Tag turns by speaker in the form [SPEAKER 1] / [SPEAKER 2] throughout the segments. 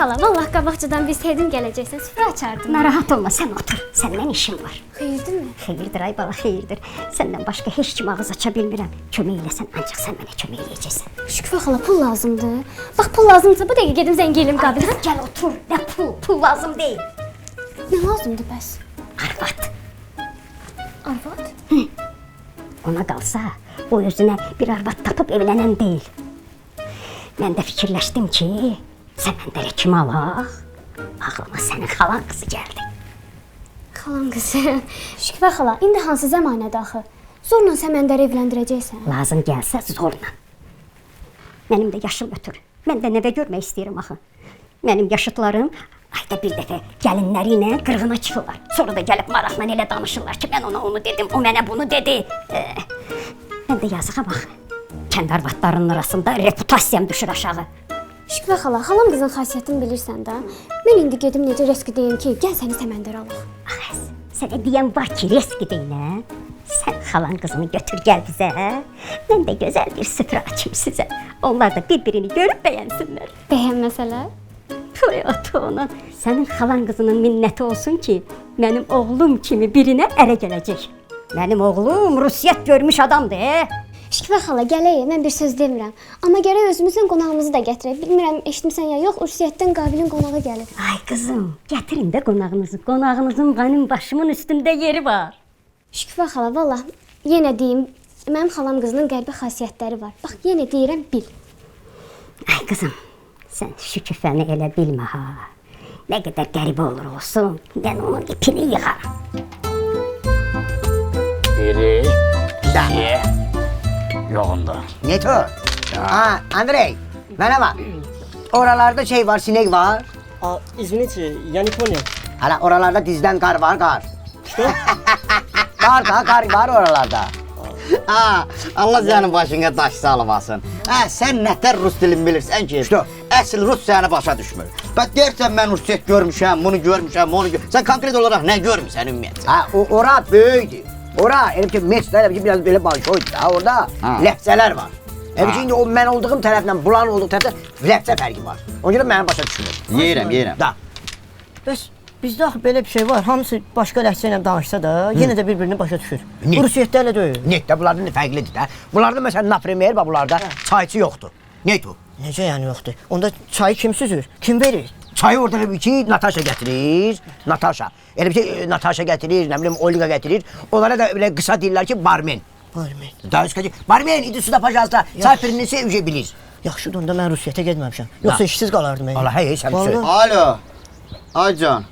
[SPEAKER 1] xala, vallah qabaqcadan bilsəydim gələcəksən, süfrə açardım.
[SPEAKER 2] Narahat olma, sən otur. Səndən işim var.
[SPEAKER 1] Xeyirdirmi?
[SPEAKER 2] Xeyirdir ay bala, xeyirdir. Səndən başqa heç kim ağız aça bilmirəm. Kömək eləsən, ancaq sən mənə kömək eləyəcəksən.
[SPEAKER 1] Şükufə xala, pul lazımdır. Bax, pul lazımdırsa bu dəqiqə gedim zəng eləyim Qabilə.
[SPEAKER 2] Gəl otur, nə pul lazım deyil.
[SPEAKER 1] Nə lazımdır bəs?
[SPEAKER 2] Arvad.
[SPEAKER 1] Arvad?
[SPEAKER 2] Ona qalsa, o özünə bir arvad tapıb evlənən deyil. Mən də fikirləşdim ki, Səməndərə kim alaq? Ağlıma sənin xalan qızı gəldi.
[SPEAKER 1] Xalan qızı. Şükufə xala, indi hansı zəmanədə axı? Zorla Səməndəri evləndirəcəksən.
[SPEAKER 2] Lazım gəlsə zorla. Mənim də yaşım ötür. Mən də nəvə görmək istəyirəm axı. Mənim yaşıtlarım ayda bir dəfə gəlinləri ilə qırğına çıxırlar. Sonra da gəlib maraqla elə danışırlar ki, mən ona onu dedim, o mənə bunu dedi. Mən də yazığa bax. Kənd arvadlarının arasında reputasiyam düşür aşağı.
[SPEAKER 1] Şükufə xala, xalam qızın xasiyyətini bilirsən də. Mən indi gedim necə reski deyim ki, gəl səni Səməndərə alaq.
[SPEAKER 2] Ağız, sənə deyən var ki, reski deyinə. Sən xalan qızını götür gəl bizə. Mən də gözəl bir süfrə açayım sizə. Onlar da bir-birini görüb bəyənsinlər.
[SPEAKER 1] Bəyənməsələr?
[SPEAKER 2] Toy otu onun. Sənin xalan qızının minnəti olsun ki, mənim oğlum kimi birinə ərə gələcək. Mənim oğlum rusiyyət görmüş adamdır.
[SPEAKER 1] Şükufə xala, gələk, mən bir söz demirəm. Amma gərək özümüzün qonağımızı da gətirək. Bilmirəm, eşitmisən ya yox, Ursiyyətdən Qabilin qonağı gəlir.
[SPEAKER 2] Ay qızım, gətirin də qonağınızı. Qonağınızın mənim başımın üstündə yeri var.
[SPEAKER 1] Şükufə xala, vallah, yenə deyim, mənim xalam qızının qəribə xasiyyətləri var. Bax, yenə deyirəm, bil.
[SPEAKER 2] Ay qızım, sən Şükufəni elə bilmə ha. Nə qədər qəribə olur olsun, mən onun ipini yığaram.
[SPEAKER 3] Biri, iki, yoğunda.
[SPEAKER 4] Neto? Ha, Andrey, mənə bak. Oralarda şey var, sinek var.
[SPEAKER 5] Извините, я не понял.
[SPEAKER 4] Hala oralarda dizden kar var, kar.
[SPEAKER 5] Что?
[SPEAKER 4] Kar var oralarda.
[SPEAKER 3] Ha, Allah sənin başına daş salmasın. Ha, sən nətər rus dilini bilirsən ki?
[SPEAKER 4] Что?
[SPEAKER 3] Əsl rus səni başa düşmür. Bax deyirsən mən rusiyyət görmüşəm, bunu görmüşəm, onu görmüşəm. Sən konkret olaraq nə görmüsən ümumiyyətlə?
[SPEAKER 4] Ha, ora böyüdü. Ora, elim ki mesler, elim ki biraz böyle balşoydu. Ha, orada lehçeler var. Elim ki indi o mən olduğum tərəflə, bulan olduğu tərəflə lehçe fərqi var. Ona görə mənim başa düşmür.
[SPEAKER 3] Yeyirəm.
[SPEAKER 4] Da.
[SPEAKER 5] Bəs bizdə axı belə bir şey var. Hamısı başqa ləhcə ilə danışsa da, yenə də bir-birini başa düşür.
[SPEAKER 4] Ne?
[SPEAKER 5] Rusiyyətlərlə deyil.
[SPEAKER 4] Netdə bunlardan fərqlidir də. Bunlarda məsələn naprimer var, bunlarda çayçı yoxdur. Net o?
[SPEAKER 5] Necə yəni yoxdur? Onda çayı kim süzür? Kim verir?
[SPEAKER 4] Çayı orada bir ki Natasha getirir. Natasha. Elə bir şey Natasha getirir, nə bilim Olga getirir. Onlara da belə qısa deyirlər ki barmen.
[SPEAKER 5] Barmen.
[SPEAKER 4] Daha üstə barmen idi suda pajazda. Çay pirini sevəcək bilir.
[SPEAKER 5] Yaxşıdır, onda mən Rusiyyətə getməmişəm. Yoxsa işsiz qalardım mən.
[SPEAKER 4] Allah hey sən söyle.
[SPEAKER 3] Alo. Aycan.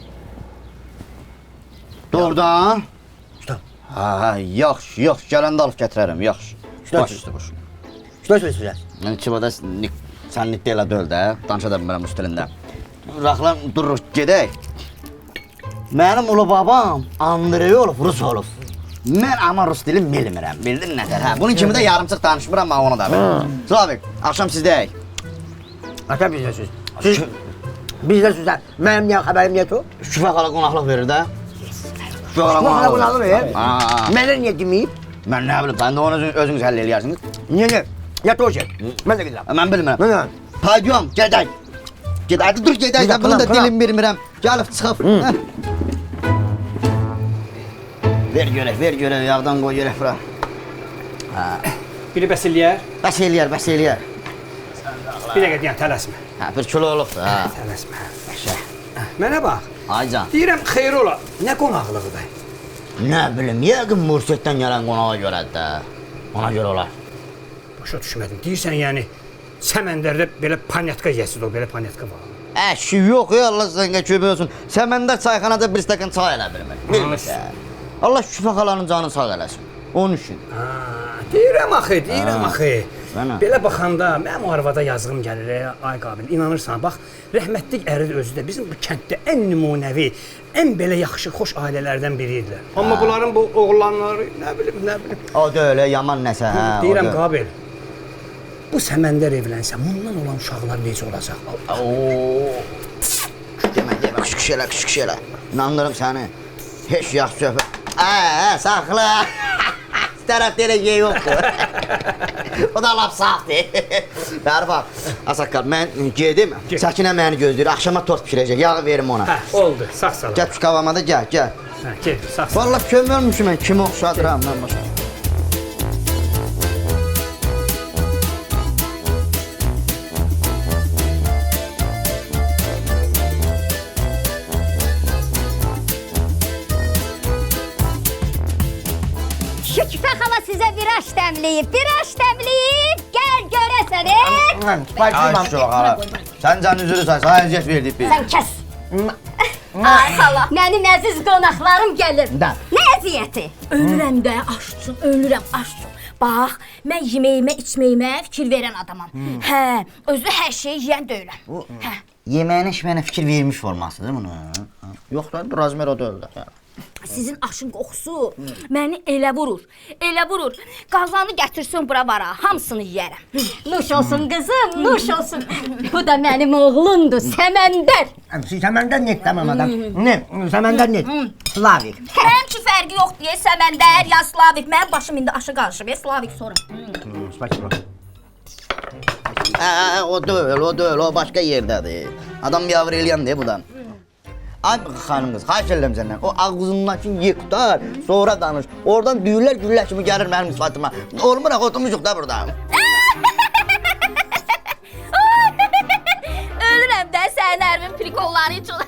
[SPEAKER 3] Doğrudan?
[SPEAKER 4] Stop.
[SPEAKER 3] Ha, yaxşı, gələndə alıb gətirərəm, yaxşı. Baş üstə boş.
[SPEAKER 4] Что söyləyirsən?
[SPEAKER 3] Yəni çivada sən nitdə elə deyil də, danışa da bilmirəm rus dilində. Raxlan dururuq, gedək. Mənim ulu babam Andrey olub, rus olub. Mən amma rus dili bilmirəm, bildin nətər? Hə, bunun kimi də yarımçıq danışmıram, amma onu da bilmirəm. Slavik, axşam sizdəyik.
[SPEAKER 4] Ata bizdə söz. Siz bizdə sözlər. Mənim niyə xəbərim yoxdur?
[SPEAKER 3] Şüfə qala qonaqlıq verir də. Şüfə qala
[SPEAKER 4] Qonaqlıq
[SPEAKER 3] qonaqlıq
[SPEAKER 4] verir.
[SPEAKER 3] Aa.
[SPEAKER 4] Mənə niyə deməyib?
[SPEAKER 3] Mən nə bilim, sən də onu özünüz həll eləyərsiniz.
[SPEAKER 4] Niyə? Ya toşer. Mən də gedirəm.
[SPEAKER 3] Mən bilmirəm.
[SPEAKER 4] Mən.
[SPEAKER 3] Paydiyom, gedək. Gedək, dur gedək,
[SPEAKER 4] Bir
[SPEAKER 3] bunun da
[SPEAKER 4] dakika,
[SPEAKER 3] dilimi bilmirəm. Gəlib çıxıb. Ver görək, yağdan qoy görək bura.
[SPEAKER 6] Biri bəs eləyər,
[SPEAKER 3] Bəs eləyər.
[SPEAKER 6] bir dəqiqə deyən tələsmə.
[SPEAKER 3] Hə, bir kilo olubdur, hə.
[SPEAKER 6] Tələsmə. Mənə bax,
[SPEAKER 3] Aycan.
[SPEAKER 6] deyirəm xeyir ola, nə qonaqlığıdır?
[SPEAKER 3] Nə bilim, yəqin Mursiyyətdən gələn qonağa görədir də. Ona görə olar.
[SPEAKER 6] Başa düşmədim. Deyirsən yəni, Səməndərdə belə panyatka yəsidir o, belə panyatka var.
[SPEAKER 3] Əşi, yox ya, Allah sənə kömək olsun. Səməndər çayxanada bir stəkan çay elə bilmir. Bilmirsən. Allah Şüfə xalanın canını sağ eləsin. Onun üçün.
[SPEAKER 6] Deyirəm axı.
[SPEAKER 3] Mənə.
[SPEAKER 6] Belə baxanda mənim o arvada yazığım gəlir, ay Qabil. İnanırsan, bax, rəhmətlik əri də özü də bizim bu kənddə ən nümunəvi, ən belə yaxşı, xoş ailələrdən biri idilər. Amma bunların bu oğlanları, nə bilim.
[SPEAKER 3] O da öyle yaman nəsə, hə.
[SPEAKER 6] Deyirəm Qabil, bu Səməndər evlənsə, bundan olan uşaqlar necə olacaq?
[SPEAKER 3] Ooo. Demə, küçük elə. İnandırım səni. Heç yaxşı söhbət. Saxla. tərəfdə elə yer yoxdur. O da lap safdır. Bəri bax, Asakal, mən gedim. Səkinə məni gözləyir. Axşama tort bişirəcək. Yağı verim ona.
[SPEAKER 6] Hə, oldu. Sağ sağ.
[SPEAKER 3] Gəl pişkavama da gəl, gəl.
[SPEAKER 6] Hə, gel. Sağ sağ.
[SPEAKER 3] Vallahi kömürmüşüm mən. Kimi oxşadıram mən başa.
[SPEAKER 2] Şükfə xala sizə viraj təmləyib. Gəl görəsən,
[SPEAKER 3] Ay şu hala. Sən canın üzrü say, sana əziyyət verdik biz.
[SPEAKER 2] Sən kəs. Ay xala, mənim əziz qonaqlarım gəlir.
[SPEAKER 3] Da.
[SPEAKER 2] Nə əziyyəti?
[SPEAKER 7] Ölürəm də aşçım, ölürəm aşçım. Bax, mən yeməyimə, içməyimə fikir verən adamam. Hə, özü hər şeyi yeyən deyiləm. Hə.
[SPEAKER 3] Yeməyinə içməyinə fikir vermiş formasıdır bunu. Yox da, Razmer o da öldü.
[SPEAKER 7] Sizin aşın qoxusu məni elə vurur. Qazanı gətirsin bura vara, hamısını yeyərəm.
[SPEAKER 2] Nuş olsun qızım, nuş olsun. Bu da mənim oğlumdur, Səməndər.
[SPEAKER 4] Səməndər net tamam adam. Ne? Səməndər net. Slavik.
[SPEAKER 7] Həm ki fərqi yoxdur, ya Səməndər, ya Slavik. Mənim başım indi aşı qarışıb, ya Slavik sonra.
[SPEAKER 4] Spasibo.
[SPEAKER 3] O deyil, o başqa yerdədir. Adam yavr eləyən deyə budan. Ay xanım qız, xahiş edirəm səndən. O ağzındakı ye qutar, sonra danış. Oradan düyürlər güllər kimi gəlir mənim sıfatıma. Olmur, oturmuşuq da burada.
[SPEAKER 7] Ölürəm də sənin ərimin prikolları üçün.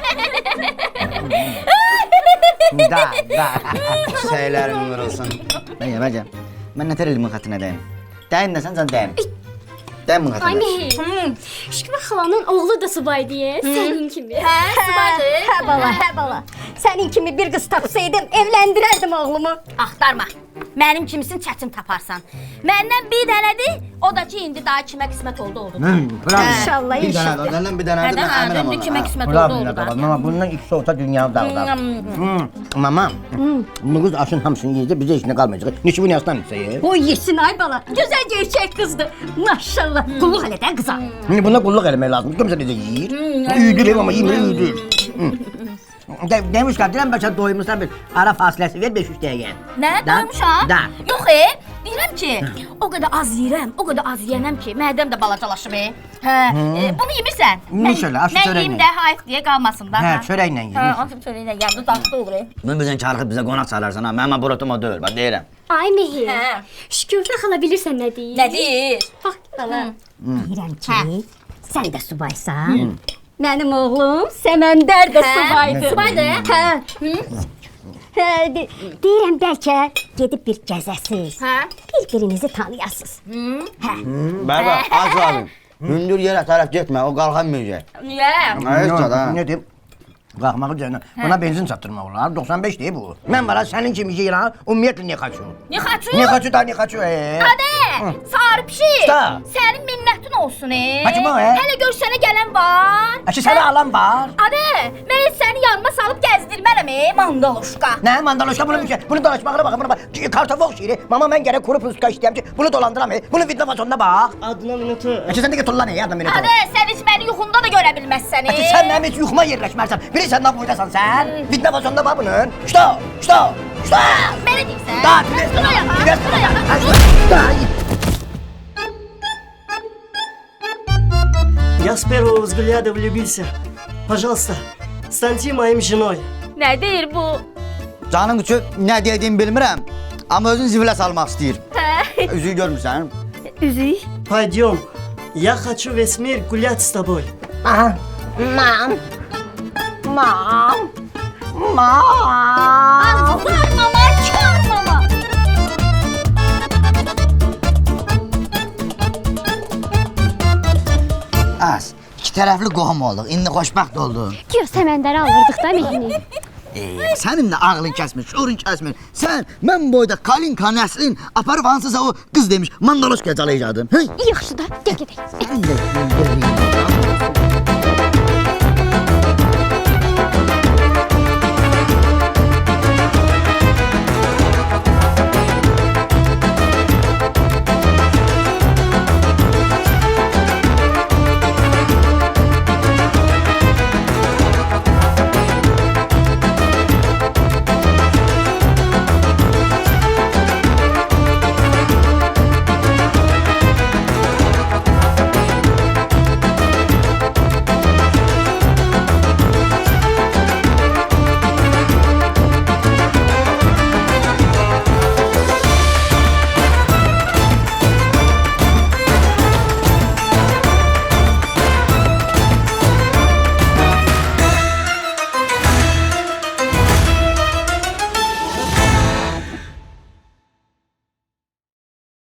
[SPEAKER 4] Da.
[SPEAKER 3] Şeylərin vurulsun. Mən yeməcəm. Mən nətər elimin xətrinə dəyim. Dəyim desən, sən dəyim. Dəyim bunun
[SPEAKER 1] Ay
[SPEAKER 3] xətrinə.
[SPEAKER 1] Mehi. Şükür xalanın oğlu da subay deyə, sənin kimi.
[SPEAKER 7] Hə, subaydır.
[SPEAKER 2] Hə bala. Sənin kimi bir qız tapsaydım, evləndirərdim oğlumu.
[SPEAKER 7] Axtarma. Mənim kimisini çətin taparsan. Məndən bir dənədir, o da ki indi daha kimə qismət oldu.
[SPEAKER 4] Bravo.
[SPEAKER 2] İnşallah,
[SPEAKER 3] Bir
[SPEAKER 2] inşallah.
[SPEAKER 3] dənə, ondan bir dənə, mən əminəm
[SPEAKER 7] Indi kimə
[SPEAKER 3] ona.
[SPEAKER 7] qismət
[SPEAKER 4] Bravo
[SPEAKER 7] oldu da.
[SPEAKER 4] Mama, bundan ikisi olsa dünyanı dağıdar. Mama, bu kız aşın hamısını yiyecek, bize işine kalmayacak. Niçin bunu yaslan yer?
[SPEAKER 2] O yesin ay bala. Gözəl gerçək qızdır. Maşallah. Qulluq elə də qıza.
[SPEAKER 4] Buna kulluk eləmək lazım. Kimse bize yiyir. Üydür ama yemir, üydür. Demiş ki, dilən başa doymuşsan bir ara fasiləsi ver 5-3 dəqiqə.
[SPEAKER 7] Nə? Doymuşam?
[SPEAKER 4] Da.
[SPEAKER 7] Yox deyirəm ki, o qədər az yeyirəm, o qədər az yeyənəm ki, mədəm də balacalaşıb. Hə, bunu yemirsən.
[SPEAKER 4] İnşallah, aşı
[SPEAKER 7] Mən
[SPEAKER 4] çörəklə.
[SPEAKER 7] yeyim də hayf deyə qalmasın da.
[SPEAKER 4] Hə, çörəklə
[SPEAKER 7] Hə,
[SPEAKER 4] yeyir.
[SPEAKER 7] atım çörəklə yeyim, dudaqda olur.
[SPEAKER 3] Mən bizən çarxıb bizə qonaq çalarsan ha. Mənim brotum o deyil, bax deyirəm.
[SPEAKER 1] Ay Mehi.
[SPEAKER 7] Hə.
[SPEAKER 1] Şükür xala bilirsən nə deyir?
[SPEAKER 7] Nə deyir?
[SPEAKER 1] Bax, xala.
[SPEAKER 2] Deyirəm ki, sən də subaysan. Mənim oğlum Səməndər də subaydır.
[SPEAKER 7] Subaydır?
[SPEAKER 2] Hə. Deyirəm bəlkə gedib bir gəzəsiz.
[SPEAKER 7] Hə?
[SPEAKER 2] Bir-birinizi tanıyasınız. Hə.
[SPEAKER 3] Bəli, az abim. Hündür yerə tərəf getmə, o qalxamayacaq.
[SPEAKER 7] Niyə?
[SPEAKER 3] Heç da.
[SPEAKER 4] Ne diyeyim? Qalxmağı cəhənnəm. Buna benzin çatdırmaq olar. 95 deyib bu. Mən var sənin kimi yeyirəm. Ümumiyyətlə ne kaçıyor?
[SPEAKER 7] Ne xaçı?
[SPEAKER 4] Ne kaçıyor da ne kaçıyor?
[SPEAKER 7] Adə, sarı pişik.
[SPEAKER 4] Da.
[SPEAKER 7] Sənin minnətin olsun.
[SPEAKER 4] Hacı bu,
[SPEAKER 7] Hələ gör sənə gələn var.
[SPEAKER 4] Əşi sənə alan var.
[SPEAKER 7] Adə, mən heç səni yanıma salıb gəzdirmərəm, mandaloşka.
[SPEAKER 4] Nə mandaloşka bunu bir şey. Bunu dolaşmağına baxın, buna bax. Kartofoq şiiri. Mama mən gərək kuru puska istəyəm ki, bunu dolandıram. Bunu vidna fasonuna bax.
[SPEAKER 5] Adına minatı.
[SPEAKER 4] Əşi sən də tullan ya adam minatı.
[SPEAKER 7] Adə, sən heç məni yuxunda da görə bilməzsən.
[SPEAKER 4] Əşi sən mənim heç yuxuma yerləşmərsən. Bilirsən nə boydasan sən? Vidna fasonuna bax bunun. Şto.
[SPEAKER 7] Belə deyirsən?
[SPEAKER 4] Da,
[SPEAKER 7] Dur ayağa,
[SPEAKER 4] biraz.
[SPEAKER 7] dur ayağa.
[SPEAKER 5] Я с первого взгляда влюбился. Пожалуйста, станьте моим женой.
[SPEAKER 7] Nə deyir bu?
[SPEAKER 3] Canın üçün nə dediyimi bilmirəm. Amma özün zibilə salmaq istəyir. Üzüyü görmürsən?
[SPEAKER 7] Üzük.
[SPEAKER 5] Пойдем. Я хочу весь мир гулять с тобой.
[SPEAKER 4] Aha. Mam.
[SPEAKER 7] Azlar mama, kör mama.
[SPEAKER 3] Az. İki tərəfli qohum olduq. İndi xoşbəxt olduq.
[SPEAKER 1] Güya Səməndəri alırdıq da Mehini.
[SPEAKER 3] Sənin də ağlın kəsmir, şuurun kəsmir. Sən mən boyda Kalinka nəslin aparıb hansısa o qız demiş mandaloşka calayacaqdın. Hey,
[SPEAKER 1] Yaxşı da, gəl gedək.
[SPEAKER 3] sən də